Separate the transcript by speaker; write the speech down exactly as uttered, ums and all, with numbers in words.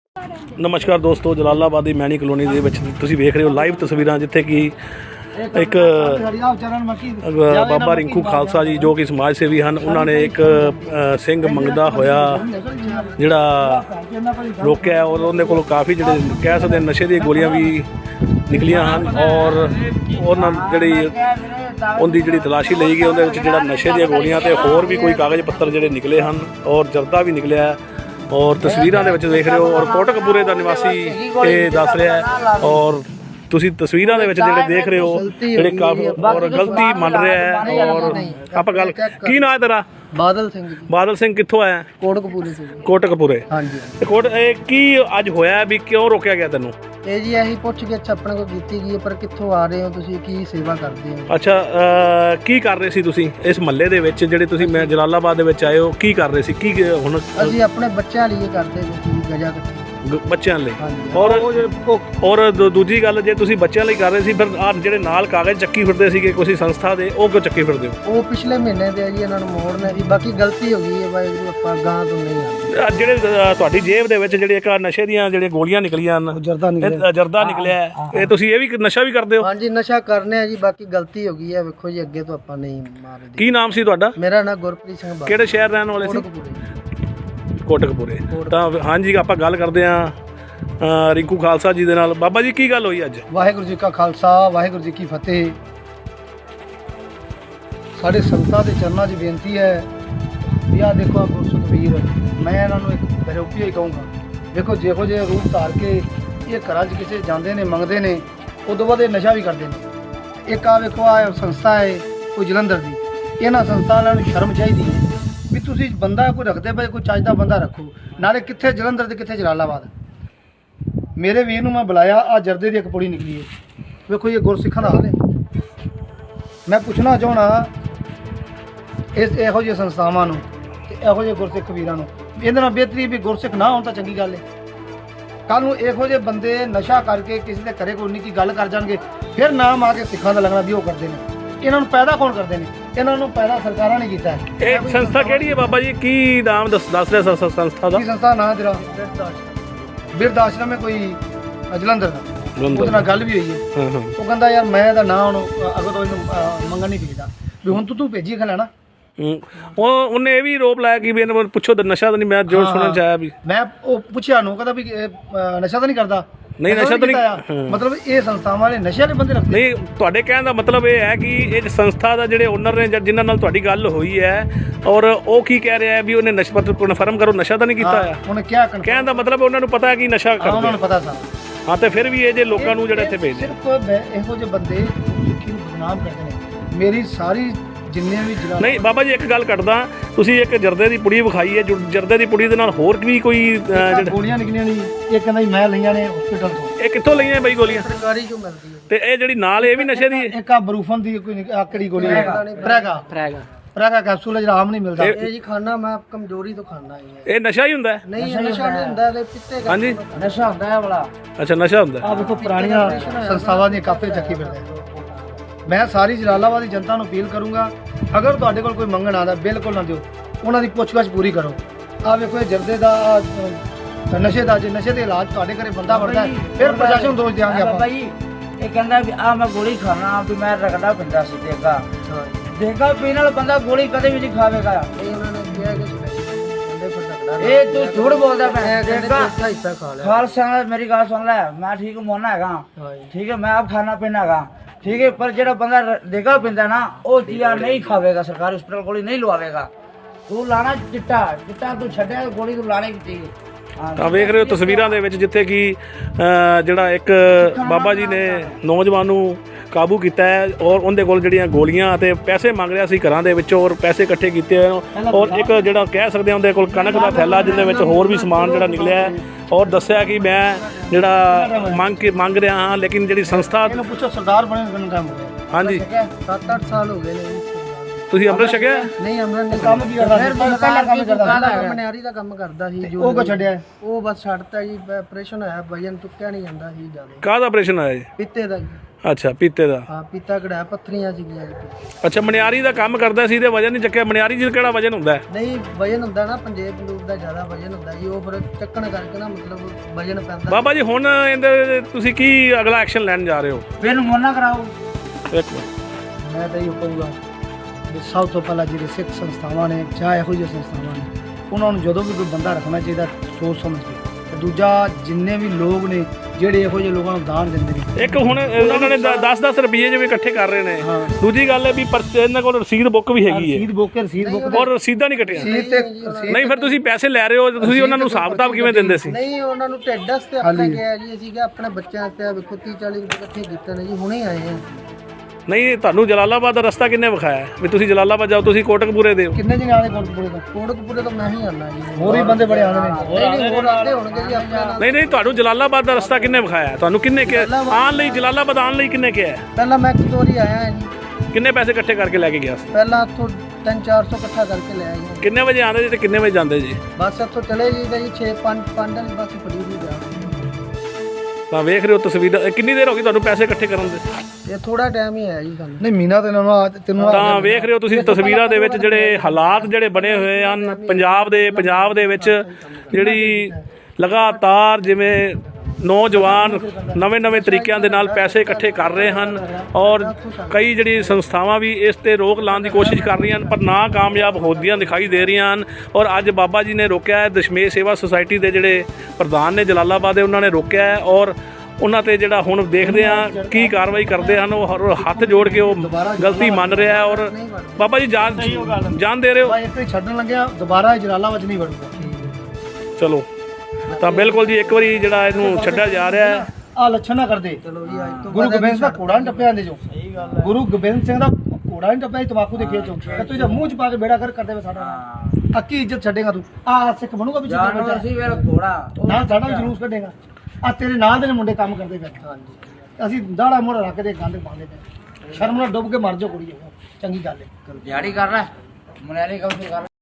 Speaker 1: ਨਮਸਕਾਰ ਦੋਸਤੋ, ਜਲਾਲਾਬਾਦ ਦੀ ਮੈਣੀ ਕਲੋਨੀ ਦੇ ਵਿੱਚ ਤੁਸੀਂ ਵੇਖ ਰਹੇ ਹੋ ਲਾਈਵ ਤਸਵੀਰਾਂ, ਜਿੱਥੇ ਕਿ ਇੱਕ ਬਾਬਾ ਰਿੰਕੂ ਖਾਲਸਾ ਜੀ ਜੋ ਕਿ ਸਮਾਜ ਸੇਵੀ ਹਨ, ਉਹਨਾਂ ਨੇ ਇੱਕ ਸਿੰਘ ਮੰਗਦਾ ਹੋਇਆ ਜਿਹੜਾ ਰੋਕਿਆ ਔਰ ਉਹਦੇ ਕੋਲੋਂ ਕਾਫੀ ਜਿਹੜੇ ਕਹਿ ਸਕਦੇ ਨਸ਼ੇ ਦੀਆਂ ਗੋਲੀਆਂ ਵੀ ਨਿਕਲੀਆਂ ਹਨ ਔਰ ਉਹਨਾਂ ਜਿਹੜੀ ਉਹਦੀ ਜਿਹੜੀ ਤਲਾਸ਼ੀ ਲਈ ਗਈ ਉਹਦੇ ਵਿੱਚ ਜਿਹੜਾ ਨਸ਼ੇ ਦੀਆਂ ਗੋਲੀਆਂ ਤੇ ਹੋਰ ਵੀ ਕੋਈ ਕਾਗਜ਼ ਪੱਤਰ ਜਿਹੜੇ ਨਿਕਲੇ ਹਨ ਔਰ ਜਰਦਾ ਵੀ ਨਿਕਲਿਆ ਔਰ ਤਸਵੀਰਾਂ ਦੇ ਵਿੱਚ ਦੇਖ ਰਹੇ ਹੋ ਔਰ ਕੋਟਕਪੂਰੇ ਦਾ ਨਿਵਾਸੀ ਇਹ ਦੱਸ ਰਿਹਾ ਹੈ ਔਰ ਤੁਸੀਂ ਤਸਵੀਰਾਂ ਦੇ ਵਿੱਚ ਜਿਹੜੇ ਦੇਖ ਰਹੇ ਹੋ ਜਿਹੜੇ ਕਾਫੀ ਔਰ ਗਲਤੀ ਮੰਨ ਰਿਹਾ ਹੈ। ਔਰ ਆਪਾਂ ਗੱਲ ਕੀ ਨਾਂ ਹੈ ਤੇਰਾ?
Speaker 2: ਬਾਦਲ ਸਿੰਘ ਜੀ।
Speaker 1: ਬਾਦਲ ਸਿੰਘ ਕਿੱਥੋਂ ਆਇਆ?
Speaker 2: ਕੋਟਕਪੂਰੇ ਸਿੰਘ।
Speaker 1: ਕੋਟਕਪੂਰੇ।
Speaker 2: ਹਾਂਜੀ।
Speaker 1: ਕੋਟ ਇਹ ਕੀ ਅੱਜ ਹੋਇਆ ਵੀ ਕਿਉਂ ਰੋਕਿਆ ਗਿਆ ਤੈਨੂੰ?
Speaker 2: ਇਹ ਜੀ ਅਸੀਂ ਪੁੱਛ ਕੇ ਅੱਛਾ ਆਪਣੇ ਕੋਲ ਕੀਤੀ ਗਈ ਪਰ ਕਿੱਥੋਂ ਆ ਰਹੇ ਹੋ ਤੁਸੀਂ, ਕੀ ਸੇਵਾ ਕਰਦੇ ਹੋ?
Speaker 1: ਅੱਛਾ, ਕੀ ਕਰ ਰਹੇ ਸੀ ਤੁਸੀਂ ਇਸ ਮਹੱਲੇ ਦੇ ਵਿੱਚ ਜਿਹੜੇ ਤੁਸੀਂ ਮੈਂ ਜਲਾਲਾਬਾਦ ਦੇ ਵਿੱਚ ਆਏ ਹੋ, ਕੀ ਕਰ ਰਹੇ ਸੀ? ਕੀ ਹੁਣ
Speaker 2: ਅਸੀਂ ਆਪਣੇ ਬੱਚਿਆਂ ਲਈ ਕਰਦੇ ਸੀ ਗਜਾ ਇਕੱਠੀ
Speaker 1: ਬੱਚਿਆਂ ਲਈ। ਔਰ ਔਰ ਦੂਜੀ ਗੱਲ, ਜੇ ਤੁਸੀਂ ਬੱਚਿਆਂ ਲਈ ਕਰ ਰਹੇ ਸੀ ਫਿਰ ਆ ਜਿਹੜੇ ਨਾਲ ਕਾਗਜ਼ ਚੱਕੀ ਫਿਰਦੇ ਸੀਗੇ ਕਿਸੇ ਸੰਸਥਾ ਦੇ, ਉਹ ਕਿਉਂ ਚੱਕੀ ਫਿਰਦੇ ਹੋ?
Speaker 2: ਉਹ ਪਿਛਲੇ ਮਹੀਨੇ ਦੇ ਜੀ ਇਹਨਾਂ ਨੂੰ ਮੋੜਨੇ ਸੀ, ਬਾਕੀ ਗਲਤੀ ਹੋ ਗਈ ਹੈ ਵਾਹਿਗੁਰੂ, ਆਪਾਂ ਗਾਂ ਤੋਂ ਨਹੀਂ ਆਉਂਦੇ।
Speaker 1: ਜਿਹੜੇ ਤੁਹਾਡੀ ਜੇਬ ਦੇ ਵਿੱਚ ਜਿਹੜੇ ਇੱਕ ਨਸ਼ੇ ਦੀਆਂ ਜਿਹੜੀਆਂ ਗੋਲੀਆਂ ਨਿਕਲੀਆਂ ਹਨ,
Speaker 2: ਜਰਦਾ ਨਿਕਲਿਆ
Speaker 1: ਜਰਦਾ ਨਿਕਲਿਆ, ਇਹ ਤੁਸੀਂ ਇਹ ਵੀ ਨਸ਼ਾ ਵੀ ਕਰਦੇ ਹੋ?
Speaker 2: ਹਾਂਜੀ, ਨਸ਼ਾ ਕਰਨੇ ਆ ਜੀ, ਬਾਕੀ ਗਲਤੀ ਹੋ ਗਈ ਹੈ। ਵੇਖੋ ਜੀ, ਅੱਗੇ ਤੋਂ ਆਪਾਂ ਨਹੀਂ ਮਾਰਦੇ।
Speaker 1: ਕੀ ਨਾਮ ਸੀ ਤੁਹਾਡਾ?
Speaker 2: ਮੇਰਾ ਨਾਮ ਗੁਰਪ੍ਰੀਤ ਸਿੰਘ।
Speaker 1: ਕਿਹੜੇ ਸ਼ਹਿਰ ਰਹਿਣ ਵਾਲੇ ਸੀ? ਕੋਟਕਪੂਰੇ। ਤਾਂ ਹਾਂਜੀ, ਆਪਾਂ ਗੱਲ ਕਰਦੇ ਹਾਂ ਰਿੰਕੂ ਖਾਲਸਾ ਜੀ ਦੇ ਨਾਲ। ਬਾਬਾ ਜੀ, ਕੀ ਗੱਲ ਹੋਈ ਅੱਜ?
Speaker 2: ਵਾਹਿਗੁਰੂ ਜੀ ਕਾ ਖਾਲਸਾ, ਵਾਹਿਗੁਰੂ ਜੀ ਕੀ ਫਤਿਹ। ਸਾਡੇ ਸੰਤਾਂ ਦੇ ਚਰਨਾਂ 'ਚ ਬੇਨਤੀ ਹੈ ਵੀ ਆਹ ਦੇਖੋ ਗੁਰਸਿੱਖ ਵੀਰ, ਮੈਂ ਇਹਨਾਂ ਨੂੰ ਇੱਕ ਬੇਰੁਪਈਆ ਹੀ ਕਹੂੰਗਾ। ਦੇਖੋ ਜਿਹੋ ਜਿਹੇ ਰੂਪ ਧਾਰ ਕੇ ਇਹ ਘਰਾਂ 'ਚ ਕਿਸੇ ਜਾਂਦੇ ਨੇ, ਮੰਗਦੇ ਨੇ, ਉਦੋਂ ਬਾਅਦ ਇਹ ਨਸ਼ਾ ਵੀ ਕਰਦੇ ਨੇ। ਇੱਕ ਆ ਵੇਖੋ ਆ ਸੰਸਥਾ ਹੈ ਕੋਈ ਜਲੰਧਰ ਦੀ, ਇਹਨਾਂ ਸੰਸਥਾ ਵਾਲਿਆਂ ਨੂੰ ਸ਼ਰਮ ਚਾਹੀਦੀ ਹੈ ਵੀ ਤੁਸੀਂ ਬੰਦਾ ਕੋਈ ਰੱਖਦੇ ਪਏ, ਕੋਈ ਚੱਜ ਦਾ ਬੰਦਾ ਰੱਖੋ। ਨਾਲੇ ਕਿੱਥੇ ਜਲੰਧਰ ਤੇ ਕਿੱਥੇ ਜਲਾਲਾਬਾਦ। ਮੇਰੇ ਵੀਰ ਨੂੰ ਮੈਂ ਬੁਲਾਇਆ, ਆ ਜਰਦੇ ਦੀ ਇੱਕ ਪੁੜੀ ਨਿਕਲੀ ਹੈ, ਵੇਖੋ ਇਹ ਗੁਰਸਿੱਖਾਂ ਦਾ ਹਾਲ ਹੈ। ਮੈਂ ਪੁੱਛਣਾ ਚਾਹਣਾ ਇਸ ਇਹੋ ਜਿਹੇ ਸੰਸਥਾਵਾਂ ਨੂੰ, ਇਹੋ ਜਿਹੇ ਗੁਰਸਿੱਖ ਵੀਰਾਂ ਨੂੰ, ਇਹਦੇ ਨਾਲ ਬਿਹਤਰੀ ਵੀ ਗੁਰਸਿੱਖ ਨਾ ਹੋਣ ਤਾਂ ਚੰਗੀ ਗੱਲ ਹੈ। ਕੱਲ੍ਹ ਨੂੰ ਇਹੋ ਜਿਹੇ ਬੰਦੇ ਨਸ਼ਾ ਕਰਕੇ ਕਿਸੇ ਦੇ ਘਰੇ ਕੋਈ ਨਿੱਕੀ ਗੱਲ ਕਰ ਜਾਣਗੇ, ਫਿਰ ਨਾਮ ਆ ਕੇ ਸਿੱਖਾਂ ਦਾ ਲੱਗਣਾ ਵੀ ਉਹ ਕਰਦੇ ਨੇ। ਇਹਨਾਂ ਨੂੰ ਪੈਦਾ ਕੌਣ ਕਰਦੇ ਨੇ? ਇਹਨਾਂ ਨੂੰ ਪੈਦਾ ਸਰਕਾਰਾਂ ਨੇ ਕੀਤਾ ਹੈ।
Speaker 1: ਇਹ ਸੰਸਥਾ ਕਿਹੜੀ ਹੈ ਬਾਬਾ ਜੀ? ਕੀ ਨਾਮ ਦੱਸ ਦੱਸ ਰਿਹਾ ਸੰਸਥਾ ਦਾ?
Speaker 2: ਕੀ ਸੰਸਥਾ ਨਾਂ ਤੇਰਾ? ਬਿਰਧ ਆਸ਼ਰਮ ਹੈ ਕੋਈ ਜਲੰਧਰ ਦਾ। ਉਹਦੇ ਨਾਲ ਗੱਲ ਵੀ ਹੋਈ ਹੈ। ਉਹ ਕਹਿੰਦਾ ਯਾਰ ਮੈਂ ਇਹਦਾ ਨਾਂ ਹੁਣ ਅਗਰ ਤੋਂ ਇਹਨੂੰ ਮੰਗਣ ਨਹੀਂ ਭੇਜਦਾ ਵੀ ਹੁਣ ਤੂੰ ਤੂੰ ਭੇਜੀ ਖਿਲਾਣਾ।
Speaker 1: ਉਹ ਉਹਨੇ ਇਹ ਵੀ ਰੋਪ ਲਾਇਆ ਕਿ ਵੀ ਇਹਨੂੰ ਪੁੱਛੋ ਤਾਂ ਨਸ਼ਾ ਤਾਂ ਨਹੀਂ। ਮੈਂ ਜੋ ਸੁਣਨ ਚ ਆਇਆ ਵੀ ਮੈਂ
Speaker 2: ਉਹ ਪੁੱਛਿਆ ਨੂੰ, ਕਹਿੰਦਾ ਵੀ ਨਸ਼ਾ ਤਾਂ ਨਹੀਂ ਕਰਦਾ।
Speaker 1: ਨਹੀਂ, ਨਸ਼ਾ ਤਾਂ ਨਹੀਂ।
Speaker 2: ਮਤਲਬ ਇਹ ਸੰਸਥਾਵਾਂ ਵਾਲੇ ਨਸ਼ੇ ਵਾਲੇ ਬੰਦੇ ਰੱਖਦੇ
Speaker 1: ਨਹੀਂ। ਤੁਹਾਡੇ ਕਹਿਣ ਦਾ ਮਤਲਬ ਇਹ ਹੈ ਕਿ ਇਹ ਸੰਸਥਾ ਦਾ ਜਿਹੜੇ ਓਨਰ ਨੇ ਜਾਂ ਜਿਨ੍ਹਾਂ ਨਾਲ ਤੁਹਾਡੀ ਗੱਲ ਹੋਈ ਹੈ ਔਰ ਉਹ ਕੀ ਕਹਿ ਰਿਹਾ ਹੈ ਵੀ ਉਹਨੇ ਨਸ਼ਾ ਪੱਤਰ ਕਨਫਰਮ ਕਰੋ ਨਸ਼ਾ ਤਾਂ ਨਹੀਂ ਕੀਤਾ ਹੈ।
Speaker 2: ਉਹਨੇ ਕਿਹਾ
Speaker 1: ਕਹਿਣ ਦਾ ਮਤਲਬ ਉਹਨਾਂ ਨੂੰ ਪਤਾ ਹੈ ਕਿ ਨਸ਼ਾ ਕਰਦੇ।
Speaker 2: ਉਹਨਾਂ ਨੂੰ ਪਤਾ ਸਰ।
Speaker 1: ਹਾਂ, ਤੇ ਫਿਰ ਵੀ ਇਹ ਜੇ ਲੋਕਾਂ ਨੂੰ ਜਿਹੜਾ ਇੱਥੇ ਭੇਜਦੇ
Speaker 2: ਸਿਰਫ ਇਹੋ ਜਿਹੇ ਬੰਦੇ ਸਿੱਖੀ ਨੂੰ ਬਦਨਾਮ ਕਰਦੇ ਨੇ। ਮੇਰੀ ਸਾਰੀ ਜਿੰਨੇ ਵੀ
Speaker 1: ਨਹੀਂ ਬਾਬਾ ਜੀ, ਇੱਕ ਗੱਲ ਕੱਟਦਾ, ਤੁਸੀਂ ਇੱਕ ਜਰਦੇ ਦੀ ਪੁੜੀ ਵਿਖਾਈ ਹੈ, ਜਰਦੇ ਦੀ ਪੁੜੀ ਦੇ ਨਾਲ ਹੋਰ ਵੀ ਕੋਈ
Speaker 2: ਗੋਲੀਆਂ ਨਿਕਲੀਆਂ ਨਹੀਂ। ਇਹ ਕਹਿੰਦਾ ਮੈਂ ਲਈਆਂ ਨੇ ਹਸਪੀਟਲ ਤੋਂ।
Speaker 1: ਇਹ ਕਿੱਥੋਂ ਲਈਆਂ ਬਾਈ ਗੋਲੀਆਂ?
Speaker 2: ਸਰਕਾਰੀ ਚੋਂ ਮਿਲਦੀ ਹੈ।
Speaker 1: ਤੇ ਇਹ ਜਿਹੜੀ ਨਾਲ ਇਹ ਵੀ ਨਸ਼ੇ ਦੀ ਹੈ?
Speaker 2: ਇੱਕ ਆ ਬਰੂਫਨ ਦੀ ਕੋਈ ਆਕੜੀ ਗੋਲੀ ਹੈ, ਪ੍ਰੈਗਾ ਪ੍ਰੈਗਾ ਪ੍ਰੈਗਾ ਕੈਪਸੂਲ ਹੈ ਜਿਹੜਾ ਆਮ ਨਹੀਂ ਮਿਲਦਾ। ਇਹ ਜੀ ਖਾਣਾ ਮੈਂ ਕਮਜ਼ੋਰੀ ਤੋਂ ਖਾਣਾ ਹੈ।
Speaker 1: ਇਹ ਨਸ਼ਾ ਹੀ ਹੁੰਦਾ?
Speaker 2: ਨਹੀਂ, ਨਸ਼ਾ ਨਹੀਂ ਹੁੰਦਾ, ਇਹਦੇ ਪਿੱਤੇ ਦਾ
Speaker 1: ਹਾਂਜੀ
Speaker 2: ਨਸ਼ਾ ਹੁੰਦਾ ਹੈ ਵਾਲਾ।
Speaker 1: ਅੱਛਾ, ਨਸ਼ਾ ਹੁੰਦਾ।
Speaker 2: ਆ ਵੇਖੋ ਪੁਰਾਣੀਆਂ ਸੰਸਥਾਵਾਂ ਦੀਆਂ ਕਾਪੇ ਚੱਕੀ ਫਿਰਦੇ। ਮੈਂ ਸਾਰੀ ਜਲਾਲਾਬਾਦ ਦੀ ਜਨਤਾ ਨੂੰ ਅਪੀਲ ਕਰੂੰਗਾ, ਅਗਰ ਤੁਹਾਡੇ ਕੋਲ ਕੋਈ ਮੰਗਣ ਆਉਂਦਾ ਬਿਲਕੁਲ ਨਾ ਦਿਓ, ਉਹਨਾਂ ਦੀ ਪੁੱਛਗਛ ਪੂਰੀ ਕਰੋ। ਆ ਵੇਖੋ ਇਹ ਜਰਦੇ ਦਾ ਨਸ਼ੇ ਦਾ, ਜੇ ਨਸ਼ੇ ਦੇ ਇਲਾਜ ਤੁਹਾਡੇ ਘਰੇ ਬੰਦਾ ਵੜਦਾ ਫਿਰ ਪ੍ਰਸ਼ਾਸਨ ਨੂੰ ਦੋਸ਼ ਦਿਆਂਗੇ ਆਪਾਂ।
Speaker 3: ਇਹ ਕਹਿੰਦਾ ਵੀ ਆ ਮੈਂ ਗੋਲੀ ਖਾਣਾ ਵੀ ਮੈਂ ਰਗੜਾ ਪਿੰਦਾ ਸੀ। ਦੇਗਾ ਦੇਗਾ ਪੀਣ ਵਾਲਾ ਬੰਦਾ ਗੋਲੀ ਕਦੇ ਵੀ ਨਹੀਂ ਖਾਵੇਗਾ।
Speaker 2: ਇਹ ਉਹਨਾਂ ਨੇ ਕਿਹਾ ਕਿ ਬੰਦੇ ਫਿਰ ਰਗੜਾ।
Speaker 3: ਇਹ ਤੂੰ ਝੂਠ ਬੋਲਦਾ ਪਿਆ।
Speaker 2: ਦੇਗਾ ਹਿੱਸਾ ਖਾ ਲਿਆ।
Speaker 3: ਖਾਲਸਾ ਮੇਰੀ ਗੱਲ ਸੁਣ ਲੈ, ਮੈਂ ਠੀਕ ਮੋਨਾ ਹੈਗਾ, ਠੀਕ ਹੈ, ਮੈਂ ਆਪ ਖਾਣਾ ਪੀਣਾ ਹੈਗਾ, ਠੀਕ ਹੈ, ਪਰ ਜਿਹੜਾ ਬੰਦਾ ਦੇਗਾ ਪਿੰਦਾ ਨਾ ਉਹ ਚੀਜ਼ਾਂ ਨਹੀਂ ਖਾਵੇਗਾ, ਸਰਕਾਰੀ ਹਸਪਤਾਲ ਗੋਲੀ ਨਹੀਂ ਲਵਾਵੇਗਾ। ਤੂੰ ਲਾਣਾ ਚਿੱਟਾ ਚਿੱਟਾ ਤੂੰ ਛੱਡਿਆ, ਗੋਲੀ ਤੂੰ ਲਾਣੀ ਕੀਤੀ।
Speaker 1: ਤਾਂ ਵੇਖ ਰਹੇ ਹੋ ਤਸਵੀਰਾਂ ਦੇ ਵਿੱਚ ਜਿੱਥੇ ਕਿ ਜਿਹੜਾ ਇੱਕ ਬਾਬਾ ਜੀ ਨੇ ਨੌਜਵਾਨ ਨੂੰ ਕਾਬੂ ਕੀਤਾ ਹੈ ਔਰ ਉਹਦੇ ਕੋਲ ਜਿਹੜੀਆਂ ਗੋਲੀਆਂ ਅਤੇ ਪੈਸੇ ਮੰਗ ਰਿਹਾ ਸੀ ਘਰਾਂ ਦੇ ਵਿੱਚੋਂ ਔਰ ਪੈਸੇ ਇਕੱਠੇ ਕੀਤੇ ਹੋਏ ਔਰ ਇੱਕ ਜਿਹੜਾ ਕਹਿ ਸਕਦੇ ਹਾਂ ਉਹਦੇ ਕੋਲ ਕਣਕ ਦਾ ਥੈਲਾ ਜਿਹਦੇ ਵਿੱਚ ਹੋਰ ਵੀ ਸਮਾਨ ਜਿਹੜਾ ਨਿਕਲਿਆ ਹੈ ਔਰ ਦੱਸਿਆ ਕਿ ਮੈਂ ਜਿਹੜਾ ਮੰਗ ਕੇ ਮੰਗ ਰਿਹਾ ਹਾਂ, ਲੇਕਿਨ ਜਿਹੜੀ ਸੰਸਥਾ
Speaker 2: ਇਹਨੂੰ ਪੁੱਛੋ ਸਰਦਾਰ ਬਣੇ ਨੂੰ ਟਾਈਮ ਹੋ ਗਿਆ।
Speaker 1: ਹਾਂਜੀ
Speaker 2: ਸੱਤ ਅੱਠ ਸਾਲ ਹੋ ਗਏ ਨੇ।
Speaker 1: ਤੁਸੀਂ ਅੰਮ੍ਰਿਤ ਛਕਿਆ?
Speaker 2: ਨਹੀਂ ਅਮਰਨ ਨੇ ਕੰਮ ਕੀ ਕਰਦਾ
Speaker 3: ਫਿਰ
Speaker 2: ਪਹਿਲਾਂ ਪਹਿਲਾਂ ਕੰਮ ਕਰਦਾ
Speaker 4: ਪਹਿਲਾਂ ਮਨਿਆਰੀ ਦਾ ਕੰਮ ਕਰਦਾ ਸੀ
Speaker 2: ਉਹ ਕੋ ਛੱਡਿਆ ਹੈ?
Speaker 4: ਉਹ ਬਸ ਛੱਡਤਾ ਜੀ ਆਪਰੇਸ਼ਨ ਹੋਇਆ ਵਜਨ ਚੁੱਕਿਆ ਨਹੀਂ ਜਾਂਦਾ ਸੀ ਜਿਆਦਾ
Speaker 1: ਕਾਹਦਾ ਆਪਰੇਸ਼ਨ ਆਇਆ ਜੀ?
Speaker 4: ਪੀਤੇ ਦਾ ਜੀ
Speaker 1: ਅੱਛਾ, ਪੀਤੇ ਦਾ।
Speaker 4: ਹਾਂ ਪੀਤਾ ਕਢਾਇਆ ਪੱਥਰੀਆਂ ਸੀਗੀਆਂ ਜੀ।
Speaker 1: ਅੱਛਾ, ਮਨਿਆਰੀ ਦਾ ਕੰਮ ਕਰਦਾ ਸੀ ਤੇ ਵਜਨ ਨਹੀਂ ਚੱਕਿਆ। ਮਨਿਆਰੀ ਜੀ ਕਿਹੜਾ ਵਜਨ ਹੁੰਦਾ ਹੈ?
Speaker 4: ਨਹੀਂ ਵਜਨ ਹੁੰਦਾ ਨਾ ਪੰਜੇਬ ਪੰਦੂਬ ਦਾ ਜ਼ਿਆਦਾ ਵਜਨ ਹੁੰਦਾ ਜੀ, ਉਹ ਫਿਰ ਚੱਕਣ ਕਰਕੇ ਨਾ ਮਤਲਬ ਵਜਨ ਪੈਂਦਾ।
Speaker 1: ਬਾਬਾ ਜੀ ਹੁਣ ਇਹਦੇ ਤੁਸੀਂ ਕੀ ਅਗਲਾ ਐਕਸ਼ਨ ਲੈਣ ਜਾ ਰਹੇ ਹੋ?
Speaker 3: ਫਿਰ ਮੋਨਾ ਕਰਾਓ।
Speaker 1: ਇੱਕ ਮਿੰਟ।
Speaker 2: ਮੈਂ ਤਾਂ ਇਹ ਕਹੂੰਗਾ ਵੀ ਸਭ ਤੋਂ ਪਹਿਲਾਂ ਜਿਹੜੇ ਸਿੱਖ ਸੰਸਥਾਵਾਂ ਨੇ ਜਾਂ ਇਹੋ ਜਿਹੀਆਂ ਸੰਸਥਾਵਾਂ ਨੇ ਉਹਨਾਂ ਨੂੰ ਜਦੋਂ ਵੀ ਕੋਈ ਬੰਦਾ ਰੱਖਣਾ ਚਾਹੀਦਾ ਸੋਚ ਸਮਝ ਕੇ। ਤੇ ਦੂਜਾ ਜਿੰਨੇ ਵੀ ਲੋਕ ਨੇ ਜਿਹੜੇ ਇਹੋ ਜਿਹੇ ਲੋਕਾਂ ਨੂੰ ਦਾਨ ਦਿੰਦੇ ਨੇ,
Speaker 1: ਇੱਕ ਹੁਣ ਉਹਨਾਂ ਨੇ ਦਸ ਦਸ ਰੁਪਏ ਜਿਵੇਂ ਇਕੱਠੇ ਕਰ ਰਹੇ ਨੇ। ਦੂਜੀ ਗੱਲ ਹੈ ਵੀ ਪਰਚੇ ਇਹਨਾਂ ਕੋਲ ਰਸੀਦ ਬੁੱਕ ਵੀ ਹੈਗੀ ਹੈ
Speaker 2: ਰਸੀਦ ਬੁੱਕ ਕੇ ਰਸੀਦ ਬੁੱਕ
Speaker 1: ਔਰ ਰਸੀਦਾਂ ਨਹੀਂ ਕੱਟੀਆਂ।
Speaker 2: ਰਸੀਦ ਤੇ ਰਸੀਦ
Speaker 1: ਨਹੀਂ ਫਿਰ ਤੁਸੀਂ ਪੈਸੇ ਲੈ ਰਹੇ ਹੋ, ਤੁਸੀਂ ਉਹਨਾਂ ਨੂੰ ਹਿਸਾਬ ਕਿਤਾਬ ਕਿਵੇਂ ਦਿੰਦੇ ਸੀ?
Speaker 4: ਨਹੀਂ ਉਹਨਾਂ ਨੂੰ ਢਿੱਡਸ ਤੇ ਆਪਣੇ ਗਿਆ ਜੀ, ਅਸੀਂ ਕਿ ਆਪਣੇ ਬੱਚਿਆਂ ਤੇ ਵੇਖੋ ਤੀਹ ਚਾਲੀ ਰੁਪਏ ਇਕੱਠੇ ਕੀਤੇ ਨੇ ਜੀ, ਹੁਣੇ ਆਏ ਆ।
Speaker 1: ਨਹੀਂ ਤੁਹਾਨੂੰ ਜਲਾਲਾਬਾਦ ਦਾ ਰਸਤਾ ਕਿੰਨੇ ਵਿਖਾਇਆ ਵੀ ਤੁਸੀਂ ਜਲਾਲਾਬਾਦ ਜਾਓ, ਤੁਸੀਂ ਕੋਟਕਪੂਰੇ ਦੇ ਹੋ?
Speaker 2: ਕਿੰਨੇ ਜਣੇ ਆਲੇ ਕੋਟਕਪੂਰੇ ਤੋਂ?
Speaker 4: ਕੋਟਕਪੂਰੇ ਤੋਂ ਮੈਂ ਹੀ ਆਣਾ ਜੀ।
Speaker 2: ਹੋਰ ਵੀ ਬੰਦੇ ਬੜੇ ਆਉਂਦੇ ਨੇ।
Speaker 4: ਨਹੀਂ ਨਹੀਂ ਹੋਰ ਆਉਂਦੇ ਹੋਣਗੇ ਜੀ ਆਪਣੇ ਨਾਲ।
Speaker 1: ਨਹੀਂ ਨਹੀਂ ਤੁਹਾਨੂੰ ਜਲਾਲਾਬਾਦ ਦਾ ਰਸਤਾ ਕਿੰਨੇ ਵਿਖਾਇਆ? ਤੁਹਾਨੂੰ ਕਿੰਨੇ ਕਿਹਾ ਆਉਣ ਲਈ? ਜਲਾਲਾਬਾਦ ਆਉਣ ਲਈ ਕਿੰਨੇ ਕਿਹਾ?
Speaker 4: ਪਹਿਲਾਂ ਮੈਂ ਇੱਕ ਦੋ ਵਾਰੀ ਆਇਆ ਜੀ।
Speaker 1: ਕਿੰਨੇ ਪੈਸੇ ਇਕੱਠੇ ਕਰਕੇ ਲੈ ਕੇ ਗਿਆ ਸੀ?
Speaker 4: ਪਹਿਲਾਂ ਇੱਥੋਂ ਤਿੰਨ ਚਾਰ ਸੌ ਇਕੱਠਾ ਕਰਕੇ ਲੈ ਆਏ ਜੀ।
Speaker 1: ਕਿੰਨੇ ਵਜੇ ਆਉਂਦੇ ਜੀ ਤੇ ਕਿੰਨੇ ਵਜੇ ਜਾਂਦੇ ਜੀ?
Speaker 4: ਬਸ ਇੱਥੋਂ ਚਲੇ ਜੀ ਜੀ ਛੇ ਪੰਜ ਪੰਜ ਵਾਲੀ ਬੱਸ ਫੜੀ ਹੋਈ ਜਾ।
Speaker 1: ਤਾਂ ਵੇਖ ਰਹੇ ਹੋ ਤਸਵੀਰਾਂ। ਇਹ ਕਿੰਨੀ ਦੇਰ ਹੋ ਗਈ ਤੁਹਾਨੂੰ ਪੈਸੇ ਇਕੱਠੇ ਕਰਨ ਦੇ?
Speaker 4: ਇਹ ਥੋੜਾ ਟਾਈਮ ਹੀ ਹੈ ਜੀ ਸਾਨੂੰ।
Speaker 2: ਨਹੀਂ ਮਹੀਨਾ ਤੇ ਇਹਨਾਂ ਨੂੰ ਆ- ਤੈਨੂੰ ਆ-
Speaker 1: ਤਾਂ ਵੇਖ ਰਹੇ ਹੋ ਤੁਸੀਂ ਤਸਵੀਰਾਂ ਦੇ ਵਿੱਚ ਜਿਹੜੇ ਹਾਲਾਤ ਜਿਹੜੇ ਬਣੇ ਹੋਏ ਹਨ ਪੰਜਾਬ ਦੇ ਪੰਜਾਬ ਦੇ ਵਿੱਚ, ਜਿਹੜੀ ਲਗਾਤਾਰ ਜਿਵੇਂ ਨੌਜਵਾਨ ਨਵੇਂ-ਨਵੇਂ ਤਰੀਕਿਆਂ ਦੇ ਨਾਲ ਪੈਸੇ ਇਕੱਠੇ ਕਰ ਰਹੇ ਹਨ ਔਰ ਕਈ ਜਿਹੜੀ ਸੰਸਥਾਵਾਂ ਵੀ ਇਸ ਤੇ ਰੋਕ ਲਾਉਣ ਦੀ ਕੋਸ਼ਿਸ਼ ਕਰ ਰਹੀਆਂ ਹਨ ਪਰ ਨਾ ਕਾਮਯਾਬ ਹੁੰਦੀਆਂ ਦਿਖਾਈ ਦੇ ਰਹੀਆਂ ਹਨ। ਔਰ ਅੱਜ ਬਾਬਾ ਜੀ ਨੇ ਰੋਕਿਆ ਹੈ, ਦਸ਼ਮੇਸ਼ ਸੇਵਾ ਸੁਸਾਇਟੀ ਦੇ ਜਿਹੜੇ ਪ੍ਰਧਾਨ ਨੇ ਜਲਾਲਾਬਾਦ ਦੇ, ਉਹਨਾਂ ਨੇ ਰੋਕਿਆ ਹੈ ਔਰ ਉਹਨਾਂ ਤੇ ਜਿਹੜਾ ਹੁਣ ਦੇਖਦੇ ਆ ਕੀ ਕਾਰਵਾਈ ਕਰਦੇ ਹਨ। ਉਹ ਹਰ- ਹੱਥ ਜੋੜ ਕੇ ਉਹ ਗਲਤੀ ਮੰਨ ਰਿਹਾ ਹੈ ਔਰ ਬਾਬਾ ਜੀ ਜਾਨ ਜਾਨ ਦੇ ਰਹੇ ਹੋ।
Speaker 2: ਭਾਈ ਇੱਕ ਵਾਰੀ ਛੱਡਣ ਲੱਗਿਆ ਦੁਬਾਰਾ ਇਹ ਜਲਾਲਾਬਾਦ ਨਹੀਂ ਵੜੂਗਾ।
Speaker 1: ਚਲੋ ਤਾਂ ਬਿਲਕੁਲ ਜੀ ਇੱਕ ਵਾਰੀ ਜਿਹੜਾ ਇਹਨੂੰ ਛੱਡਿਆ ਜਾ ਰਿਹਾ ਹੈ।
Speaker 2: ਆ ਲੱਛਣ ਨਾ ਕਰਦੇ।
Speaker 4: ਚਲੋ ਜੀ ਅੱਜ ਤੋਂ
Speaker 2: ਗੁਰੂ ਗੋਬਿੰਦ ਸਿੰਘ ਦਾ ਘੋੜਾ ਨਹੀਂ ਟੱਪਿਆ ਇਹਦੇ ਚੋਂ। ਗੁਰੂ ਗੋਬਿੰਦ ਸਿੰਘ ਦਾ ਘੋੜਾ ਨਹੀਂ ਟੱਪਿਆ ਤਮਾਕੂ ਦੇ ਖੇਤ ਚੋਂ। ਤੇ ਤੂੰ ਜੇ ਮੂੰਹ ਚ ਪਾ ਕੇ ਬੇੜਾ ਕਰ ਕਰਦੇ ਵੇ ਸਾਡਾ ਆ ਕੀ ਇੱਜ਼ਤ ਛੱਡੇਗਾ ਤੂੰ? ਆ ਸਿੱਖ ਬਣੂਗਾ ਵੀ ਜਿੱਦਾਂ
Speaker 3: ਜਾਨੋ
Speaker 2: ਬੱਚਾ
Speaker 3: ਅਸੀਂ ਵੇਲ ਘੋੜਾ
Speaker 2: ਨਾਲ ਸਾਡਾ ਵੀ ਜਲੂਸ ਕੱਢੇਗਾ। ਆ ਤੇਰੇ ਨਾਲ ਦੇ ਨੇ ਮੁੰਡੇ ਕੰਮ ਕਰਦੇ ਪਏ। ਅਸੀਂ ਦਾੜਾ ਮੋੜਾ ਰੱਖ ਕੇ ਗੰਦ ਪਾਉਂਦੇ ਪਏ। ਸ਼ਰਮ ਨਾਲ ਡੁੱਬ ਕੇ ਮਰ ਜਾਓ ਕੁੜੀ। ਚੰਗੀ ਗੱਲ ਹੈ।
Speaker 3: ਦਿਹਾੜੀ ਕਰ ਲੈ ਮਨਿਆਰੀ ਕੰਮ ਸ਼ੁਰੂ ਕਰ ਲੈ।